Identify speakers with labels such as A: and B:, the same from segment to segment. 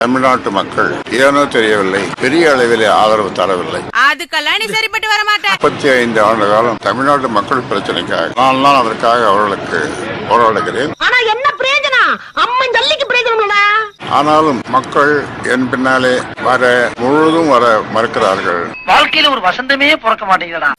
A: தமிழ்நாட்டு மக்கள் ஏனோ தெரியவில்லை, பெரிய அளவிலே ஆதரவு தரவில்லை.
B: அதுக்கெல்லாம் நீ சரிப்பட்டு வர மாட்டேன்.
A: 35 ஆண்டு காலம் தமிழ்நாட்டு மக்கள் பிரச்சனைக்காக நான் தான் அதற்காக அவர்களுக்கு போராடுகிறேன்.
C: ஆனா என்ன பிரயோஜனம்? அம்மன் ஜல்லிக்கு பிரயோஜனம்.
A: ஆனாலும் மக்கள் என் பின்னாலே முழுதும் வர மறுக்கிறார்கள்.
D: வாழ்க்கையில ஒரு வசந்தமே பிறக்க மாட்டேங்குதுடா.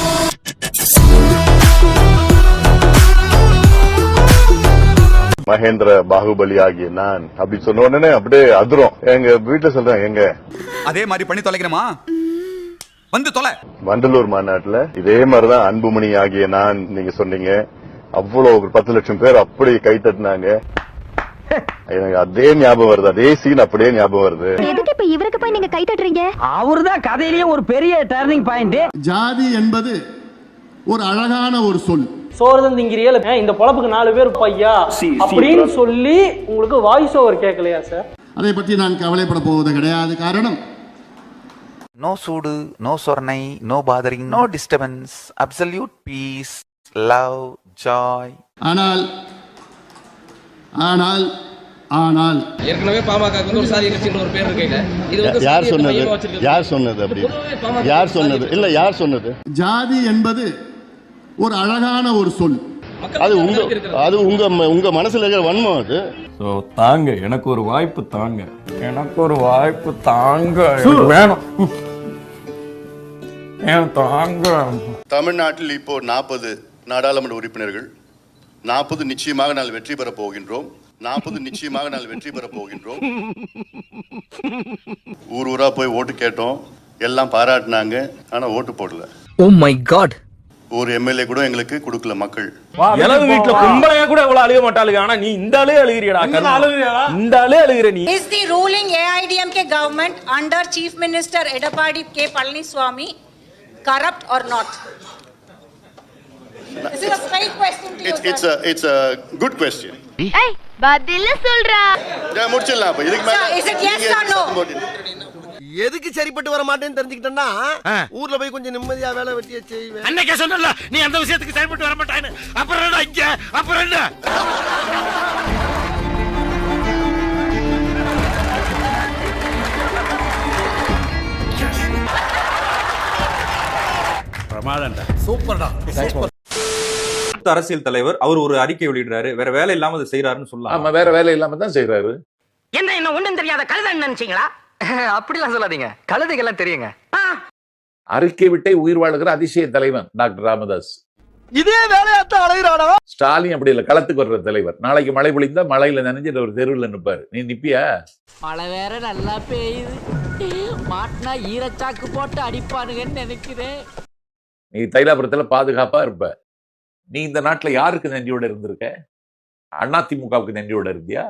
E: மகேந்திர பாகுபலி ஆகிய நான் அப்படி சொன்ன உடனே அப்படியே அதிரும். எங்க வீட்டுல சொல்றேன், எங்க
F: அதே மாதிரி பண்ணி தொலைக்கிறமா வந்து தொலை.
E: வண்டலூர் மாநாட்டுல இதே மாதிரிதான் அன்புமணி ஆகிய நான் நீங்க சொன்னீங்க. அவ்வளவு 10 லட்சம் பேர் அப்படி கை தட்டினாங்க. எனக்கு அதே ஞாபகம் வருது, அதே சீன் அப்படியே ஞாபகம் வருது.
C: எதுக்கு இப்ப இவருக்கு போய் நீங்க கை தட்டுறீங்க?
D: அவருதான் கதையிலேயே ஒரு பெரிய டர்னிங் பாயிண்ட்.
G: ஜாதி என்பது ஒரு அழகான ஒரு சொல்.
H: சோறுதான் திங்கிறியல, இந்த பொழப்புக்கு 4 பேர் பையா அப்படின்னு சொல்லி உங்களுக்கு வாய்ஸ் ஓவர் கேட்கலையா சார்?
G: அதை பற்றி நான் கவலைப்பட போவது கிடையாது. காரணம்,
I: நோ சூடு, நோ சொர்ணை, no bothering, no disturbance, absolute peace, love, joy.
G: ஆனால் ஆனால் ஆனால்
J: ஏற்கனவே பாமக ஒரு சாதி கட்சின்னு ஒரு பேர் இருக்கீங்க. இது வந்து
E: யார் சொன்னது? யார் சொன்னது? அப்படி யார் சொன்னது? இல்ல, யார் சொன்னது?
G: ஜாதி என்பது ஒரு அழகான ஒரு சொல்.
E: அது உங்க மனசுல இருக்கிற வன்மம். அது
K: தாங்க, எனக்கு ஒரு வாய்ப்பு தாங்க, எனக்கு ஒரு வாய்ப்பு தாங்க, வேணும் தாங்க.
E: தமிழ்நாட்டில் இப்போ 40 நாடாளுமன்ற உறுப்பினர்கள். 40 நிச்சயமாக நாள் வெற்றி பெற போகின்றோம். 40 நிச்சயமாக நாள் வெற்றி பெற போகின்றோம். ஊர் ஊரா போய் ஓட்டு கேட்டோம், எல்லாம் பாராட்டினாங்க, ஆனா ஓட்டு போடல.
D: Oh my god.
E: ஒரு எம்எல்ஏ கூட எங்களுக்கு கொடுக்கல மக்கள்.
K: எனது வீட்டுல கும்பலையா கூட இவ்வளவு அழுக மாட்டாளுங்க, ஆனா நீ இந்த ஆளே அழுகிறியடா. இந்த ஆளே அழுகிற நீ.
B: Is the ruling AIDMK government under Chief Minister Edapadi K Palaniswamy corrupt or not? This is a straight question to you.
E: It's a good question.
C: ஏய் பதில சொல்றா.
E: முடிச்சிடலாம். அப்ப இதுக்கு மேல
B: Is it yes or no?
H: எதுக்கு சரிப்பட்டு வர மாட்டேன்னு தெரிஞ்சுக்கிட்டேன்னா ஊர்ல போய் கொஞ்சம் நிம்மதியா வேலை வெட்டிய செய்வேன்.
D: அன்னைக்கே சொன்னல நீ அந்த விஷயத்துக்கு சரிப்பட்டு வர மாட்டான்னு. அப்புறம் என்ன இங்க? அப்புறம் என்ன? பிரமாதம்டா. சூப்பர்டா.
K: அரசியல் தலைவர் அவர் ஒரு அறிக்கை வெளியிடுறாரு, வேற வேலை இல்லாம அதை செய்யறாருன்னு சொல்லலாம்.
J: ஆமா, வேற வேலை இல்லாம தான் செய்யறாரு.
D: என்ன ஒண்ணும் தெரியாத கழுதைன்னு நினைச்சீங்களா? அப்படிலாம் சொல்லாதீங்க, கழுதைகள்லாம் தெரியுங்க.
J: அறிக்கை விட்டே உயிர் வாழுகிற அதிசய தலைவன் டாக்டர் ராமதாஸ்.
H: இதே வேலையாத்தான் அழகிறானா?
J: ஸ்டாலின் அப்படி இல்ல, களத்துக்கு வர்ற தலைவர். நாளைக்கு மழை பொழிந்தா மழையில நனைஞ்சிட்டு ஒரு தெருவில் நிற்பாரு. நீ நிப்பியா?
D: மழை வேற நல்லா பெய்யுது, மாட்டினா ஈரச்சாக்கு போட்டு அடிப்பானுங்கன்னு நினைக்கிறேன்.
J: நீ தைலாபுரத்துல பாதுகாப்பா இருப்ப. நீ இந்த நாட்டுல யாருக்கு நன்றியோட இருந்திருக்க? அதிமுகவுக்கு நன்றியோட இருந்தியா?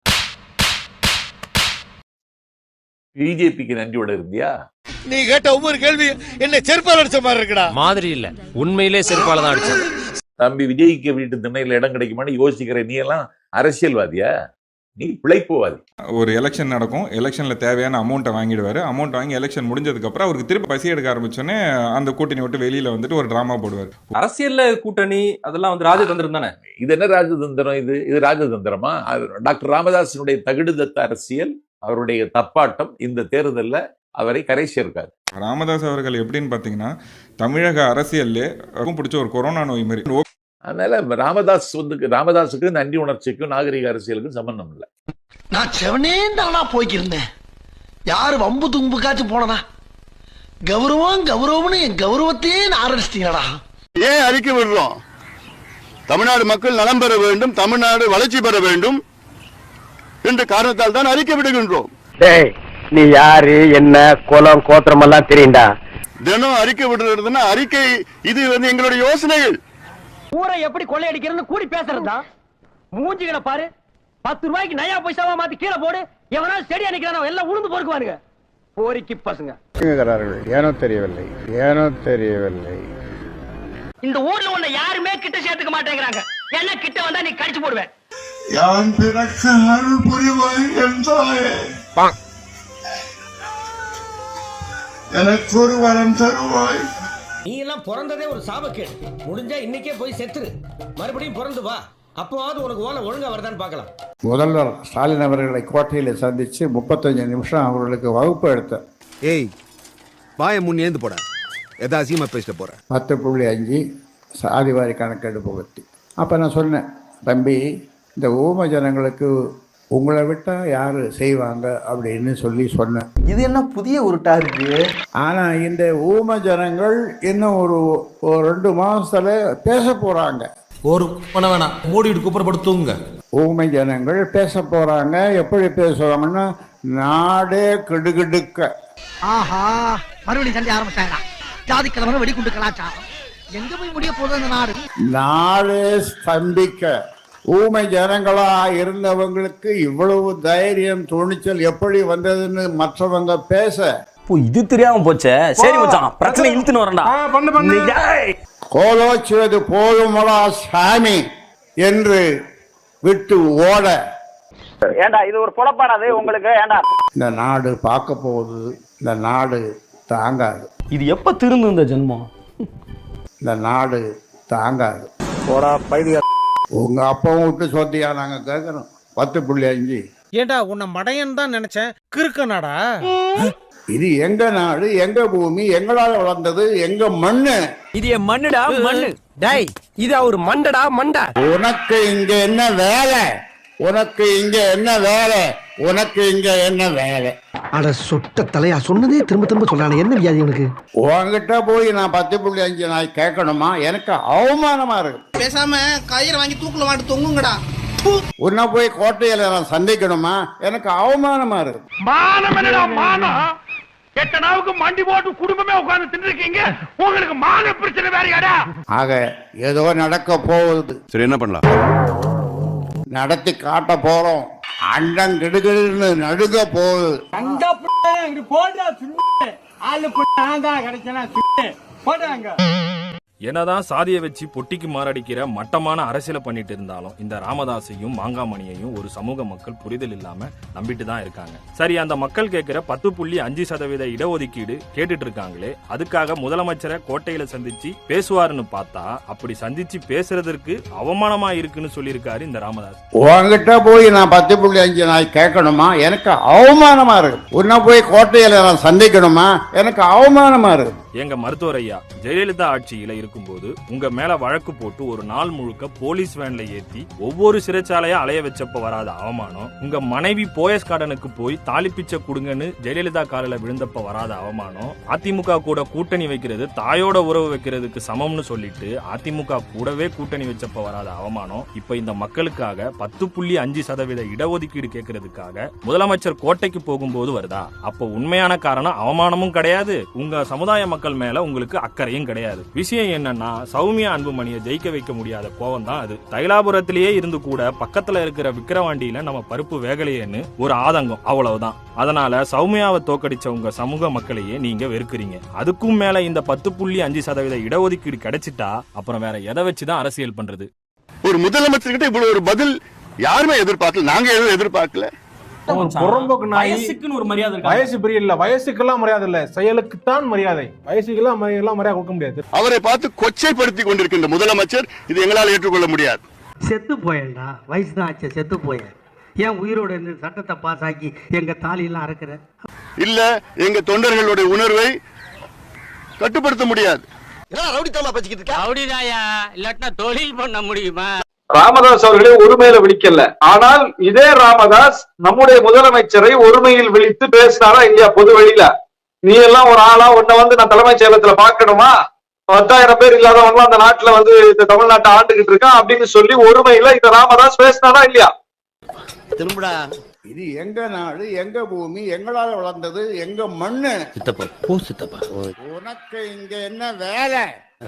J: பிஜேபிக்கு நன்றியோட இருந்தியா?
H: நீ கேட்ட ஒவ்வொரு கேள்வி என்ன செருப்பால் அடிச்ச மாதிரி இருக்குடா.
K: மாதிரி இல்ல, உண்மையிலே செருப்பால தான் அடிச்சது.
J: தம்பி விஜய்க்கு வீட்டு திண்ணையில இடம் கிடைக்குமான்னு யோசிக்கிற நீ எல்லாம் அரசியல்வாதியா? நீ பிழைப்புவாதி.
L: ஒரு எலெக்ஷன் நடக்கும், எலெக்ஷன்ல தேவையான அமௌண்ட்டை வாங்கிடுவாரு. அமௌண்ட் வாங்கி எலெக்ஷன் முடிஞ்சதுக்கு அப்புறம் அவருக்கு திருப்பி பசி எடுக்க ஆரம்பிச்சோன்னே அந்த கூட்டணி விட்டு வெளியில வந்துட்டு ஒரு டிராமா போடுவார்.
K: அரசியல்ல கூட்டணி அதெல்லாம் வந்து ராஜதந்திரம் தானே.
J: இது என்ன ராஜதந்திரம்? இது ராஜதந்திரமா? டாக்டர் ராமதாசனுடைய தகுடுதத்த அரசியல், அவருடைய தப்பாட்டம் இந்த தேர்தலில் அவரை கரை சேர்க்காது.
L: ராமதாஸ் அவர்கள் எப்படின்னு பாத்தீங்கன்னா தமிழக அரசியல்ல பிடிச்ச ஒரு கொரோனா நோய் மாதிரி.
J: அதனால ராமதாஸுக்கு நன்றி உணர்ச்சிக்கும் நாகரிக அரசியலுக்கும் சம்பந்தம் இல்லை.
H: நான் செவனேந்தானா போய்க்கிருந்தேன். யாரு வம்பு தும்புக்காச்சும் போனனா? கௌரவம்னு என் கௌரவத்தையே ஆரம்பிச்சிட்டீங்களா?
E: ஏன் அறிக்கை விடுறோம்? தமிழ்நாடு மக்கள் நலம் பெற வேண்டும், தமிழ்நாடு வளர்ச்சி பெற வேண்டும் என்ற காரணத்தால் தான் அறிக்கை விடுகின்றோம்.
H: நீ யாரு, என்ன குலம் கோத்திரம் எல்லாம் தெரியுண்டா?
E: தினம் அறிக்கை விடுறதுன்னா அறிக்கை இது வந்து எங்களுடைய யோசனைகள்.
D: ஊரை எப்படி கொள்ளையடிக்கிறன்னு கூடி பேசுறதா? மூஞ்சிகளை பாரு. 10 ரூபாய்க்கு நயா பைசாவா மாத்தி கீழே போடு. எவனா செடி அணைக்கிறானோ எல்லாம் உளுந்து பொறுக்குவானுங்க. போரிக்கு பசங்க
A: ஏனோ தெரியவில்லை.
D: இந்த ஊர்ல உன்னை யாருமே கிட்ட சேர்த்துக்க மாட்டேங்கிறாங்க. என்ன கிட்ட வந்தா நீ கடிச்சு போடுவேன்.
A: யான் பிறக்க அருள் புரிவாய் என்றாயே, எனக்கு ஒரு வரம் தருவாய்.
D: நீ எல்லாம் பிறந்ததே ஒரு சாபக்கேடு. முடிஞ்சா இன்னைக்கே போய் செத்துரு, மறுபடியும் பிறந்து வா. அப்போவாவது உனக்கு ஓலை ஒழுங்கா வருதான்னு பார்க்கலாம்.
G: முதல்வர் ஸ்டாலின் அவர்களை கோட்டையில் சந்தித்து 35 நிமிஷம் அவர்களுக்கு வகுப்பு எடுத்தேன்.
K: ஏய் வாய முன் ஏந்து போட எதா அசியமா பேசிட்டு போற.
G: 10.5 சாதிவாரி கணக்கெடுப்பு பற்றி. அப்போ நான் சொன்னேன், தம்பி இந்த ஊம ஜனங்களுக்கு உங்களை விட்டால் யார் செய்வாங்க அப்படின்னு சொன்னேன்.
I: இது என்ன புதிய உருட்டா இருக்கு?
G: ஆனால் இந்த ஊம ஜனங்கள் இன்னும் ஒரு 2 மாதத்தில் பேச போகிறாங்க.
K: ஒரு பண்ண வேணாம், மூடிட்டு குப்புறப்படுத்துங்க.
G: ஊமை ஜனங்கள் பேச போகிறாங்க. எப்படி பேசுவாங்கன்னா, நாடே கிடுகிடுக்க.
D: ஆஹா, மறுபடியும் சண்டை ஆரம்பிச்சாங்க. ஜாதி கிழமை வெடிக்குண்டு கலாச்சாரம் எங்க போய் முடிய போகுது அந்த நாடு?
G: நாடே ஸ்தம்பிக்க. ஊமை ஜனங்களா இருந்தவங்களுக்கு இவ்வளவு தைரியம் துணிச்சல் எப்படி வந்ததுன்னு மற்றவங்க பேச.
K: இது தெரியாம போச்சே. சரி மச்சான், பிரச்சனை இழுத்துன்னு வரேன்டா.
G: கோலோச்சுவது போதுமடா சாமி என்று விட்டு ஓட.
D: ஏண்டா இது ஒரு பொழப்பானது உங்களுக்கு? ஏண்டா
G: இந்த நாடு பார்க்க போகுது. இந்த நாடு தாங்காது.
H: இது எப்ப திருந்து இந்த ஜென்மம்?
G: இந்த நாடு தாங்காது. உங்க அப்பாவும் விட்டு சொத்தியா நாங்க கேட்கறோம். 10.5.
D: ஏண்டா உன்னை மடையன் தான் நினைச்சேன். கிறுக்கனாடா.
G: இது எங்க நாடு, எங்க பூமி, எங்களால வளர்ந்தது, எங்க மண்ணு.
D: இது என் மண்ணுடா, மண்ணு. டேய் இது ஒரு மண்டடா, மண்டா.
G: உனக்கு இங்க என்ன வேலை? உனக்கு இங்க என்ன வேலை? உனக்கு இங்க என்ன வேலை?
D: அட சொட்ட தலையா, சொன்னதே திரும்ப திரும்ப சொல்லானே. என்ன வியாதி உனக்கு?
G: உங்ககிட்ட போய் நான் 10.5 நாய் கேட்கணுமா? எனக்கு அவமானமா இருக்கு.
D: பேசாம கயிறு வாங்கி தூக்குல மாட்டு தொங்குங்கடா.
G: உன்ன போய் கோட்டையில நான் சந்திக்கணுமா? எனக்கு அவமானமா இருக்கு.
D: மானம் என்னடா மானம்? எட்ட நாவுக்கு மண்டி போட்டு குடும்பமே உட்கார்ந்து தின்னுருக்கீங்க. உங்களுக்கு மான பிரச்சனை வேறயாடா?
G: ஆக ஏதோ நடக்க போகுது.
K: சரி, என்ன பண்ணலாம்?
G: நடத்தி காட்ட போறோம். அண்டம் கிடுகிடுன்னு நடுங்க போகுது.
K: என்னதான் சாதியை வச்சு பொட்டிக்கு மாரடிக்கிற மட்டமான அரசியலை பண்ணிட்டு இருந்தாலும் இந்த ராமதாஸையும் மாங்காமணியையும் ஒரு சமூக மக்கள் புரிதல் இல்லாம நம்பிட்டு தான் இருக்காங்க. சரி, அந்த மக்கள் கேட்கிற 10.5% இடஒதுக்கீடு கேட்டுட்டு இருக்காங்களே, அதுக்காக முதலமைச்சரை கோட்டையில சந்திச்சு பேசுவாருன்னு பார்த்தா அப்படி சந்திச்சு பேசுறதற்கு அவமானமா இருக்குன்னு சொல்லியிருக்காரு இந்த ராமதாஸ்.
G: உங்ககிட்ட போய் நான் 10.5 நாய் கேட்கணுமா? எனக்கு அவமானமா இருக்கு. உன்ன போய் கோட்டையில நான் சந்திக்கணுமா? எனக்கு அவமானமா இருக்கு.
K: எங்க மருத்துவர் ஐயா ஜெயலலிதா ஆட்சியில இருக்கும்போது உங்க மேல வழக்கு போட்டு ஒரு நாள் முழுக்க போலீஸ் வேன்ல ஏத்தி ஒவ்வொரு சிறைச்சாலையா அலைய வச்சப்ப வராத அவமானம், உங்க மனைவி போயஸ் கார்டனுக்கு போய் தாலி பிச்சை கொடுங்கன்னு ஜெயலலிதா காலில் விழுந்தப்ப வராத அவமானம், அதிமுக கூட கூட்டணி வைக்கிறது தாயோட உறவு வைக்கிறதுக்கு சமம்னு சொல்லிட்டு அதிமுக கூடவே கூட்டணி வச்சப்ப வராத அவமானம், இப்ப இந்த மக்களுக்காக 10.5% இடஒதுக்கீடு கேட்கறதுக்காக முதலமைச்சர் கோட்டைக்கு போகும்போது வருதா? அப்ப உண்மையான காரணம் அவமானமும் கிடையாது, உங்க சமுதாய மக்கள் மேல உங்களுக்கு அக்கறையும் கிடையாது. விஷயம் என்னன்னா, சௌமியா அன்புமணியை ஜெயிக்க வைக்க முடியாத கோவம் தான் அது. தைலாபுரத்திலேயே இருந்து கூட பக்கத்துல இருக்கிற விக்கிரவாண்டியில நம்ம பருப்பு வேகலையேன்னு ஒரு ஆதங்கம், அவ்வளவுதான். அதனால சௌமியாவை தோக்கடிச்ச உங்க சமூக மக்களையே நீங்க வெறுக்கிறீங்க. அதுக்கும் மேல இந்த 10.5% இடஒதுக்கீடு கிடைச்சிட்டா அப்புறம் வேற எதை வச்சுதான் அரசியல் பண்றது?
E: ஒரு முதலமைச்சர்கிட்ட இவ்வளவு ஒரு பதில் யாருமே எதிர்பார்க்கல. நாங்க எதுவும் எதிர்பார்க்கல.
H: வயசுக்குன்னு ஒரு மரியாதை இருக்கு.
D: வயசு பெரிய இல்ல, வயசுக்கெல்லாம் மரியாதை இல்ல, செயலுக்குத்தான் மரியாதை. வயசுக்கெல்லாம் மரியாதை கொடுக்க முடியாது.
E: அவரை பார்த்து கொச்சைப்படுத்தி கொண்டிருக்கின்ற முதலமைச்சர் இது எங்களால் ஏற்றுக்கொள்ள முடியாது.
D: செத்து போயேன்டா, வயசுதான் ஆச்சு, செத்து போயேன். ஏன் உயிரோட இருந்து சட்டத்தை பாஸ் ஆக்கி எங்க தாலியெல்லாம் அறுக்கிற?
E: இல்ல, எங்க தொண்டர்களுடைய உணர்வை கட்டுப்படுத்த முடியாது.
D: தொழில் பண்ண முடியுமா?
M: ராமதாஸ் அவர்களே ஒருமையில விழிக்கல. ஆனால் இதே ராமதாஸ் நம்முடைய முதலமைச்சரை ஒருமையில் விழித்து பேசினாரா இல்லையா? பொது வெளியில நீ எல்லாம் ஒரு ஆளா, உன்னை நான் தலைமைச் செயலகத்துல பாக்கணுமா? 10,000 பேர் இல்லாதவங்க அந்த நாட்டுல இந்த தமிழ்நாட்டை ஆண்டுகிட்டு இருக்கான் அப்படின்னு சொல்லி ஒருமையில இந்த ராமதாஸ் பேசினாரா இல்லையா?
D: திரும்படா.
G: இது எங்க நாடு, எங்க பூமி, எங்களால வளர்ந்தது, எங்க மண்ணு. உனக்கு இங்க என்ன வேலை?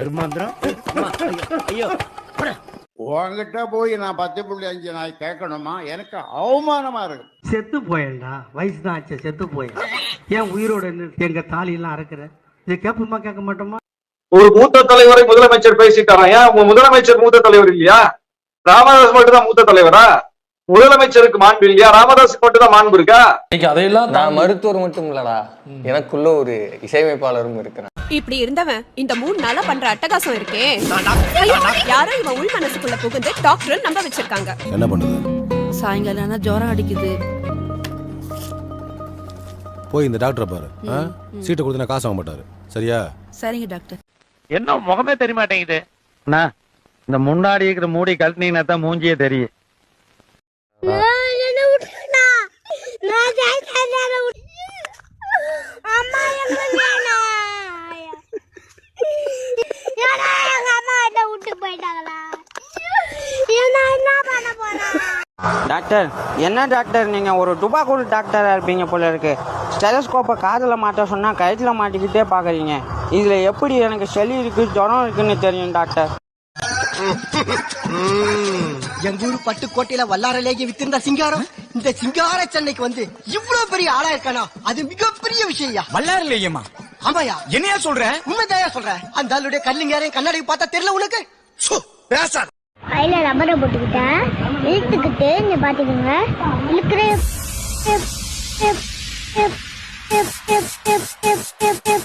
D: ஐயோ,
G: உங்ககிட்ட போய் நான் 10.5 நாய் கேட்கணுமா? எனக்கு அவமானமா இருக்கு.
D: செத்து போயேன்டா, வயசுதான் ஆச்சு, செத்து போயேன். ஏன் உயிரோட இருந்து எங்க தாலியெல்லாம் அறுக்கிற? இதை கேட்போமா கேட்க மாட்டோமா?
M: ஒரு மூத்த தலைவரை முதலமைச்சர் பேசிட்டாரா? ஏன் உங்க முதலமைச்சர் மூத்த தலைவர் இல்லையா? ராமதாஸ் மட்டும் தான் மூத்த தலைவரா? முதலமைச்சருக்கு மாண்பு இல்லையா? ராமதாஸுக்கு மட்டும் தான் மாண்பு இருக்கா?
D: அதையெல்லாம்
N: நான் மருத்துவர் மட்டும் இல்லடா, எனக்குள்ள ஒரு இசையமைப்பாளரும் இருக்கிறேன்.
C: இப்படி இருந்தவன் இந்த 3 நாளா பண்ற அட்டகாசம் இருக்கே, யாரோ இவன் உள் மனசுக்குள்ள புகுந்து டாக்டர் நம்ப வச்சிருக்காங்க.
N: என்ன பண்ணுது?
C: சாயங்காலம் ஜுரம் அடிக்குது.
N: போய் இந்த டாக்டரை பாரு. சீட்டை கொடுத்தா காசு வாங்க மாட்டாரு. சரியா?
C: சரிங்க டாக்டர்.
D: என்ன முகமே தெரிய மாட்டேங்குது. இந்த முன்னாடி இருக்கிற மூடி கழட்டினீங்கன்னா தான் மூஞ்சியே தெரியும்.
N: டாக்டர், என்ன டாக்டர் நீங்க ஒரு டுபாக்கூர் டாக்டரா இருப்பீங்க போல இருக்கு. ஸ்டெலஸ்கோப்பை காதுல மாட்ட சொன்னா கழுத்துல மாட்டிக்கிட்டே பாக்குறீங்க. இதுல எப்படி எனக்கு சளி இருக்கு ஜுரம் இருக்குன்னு தெரியும் டாக்டர்.
D: எங்க ஊர் பட்டுக்கோட்டையில வல்லாரலேயே வித்திருந்த சிங்காரம் இந்த சிங்கார சென்னைக்கு வந்து இவ்வளவு பெரிய ஆளா இருக்கானா, அது மிகப்பெரிய விஷயம். வல்லாரலேயமா? ஆமாயா. என்னையா சொல்ற? உண்மைதாயா சொல்றேன். அந்த ஆளுடைய கல்லுங்காரையும் கண்ணாடி பார்த்தா தெரியல உனக்கு? பேசாத.
C: கையில ரப்பரை போட்டுக்கிட்ட இழுத்துக்கிட்டு நீ பாத்துக்கோங்க. இழுக்கிற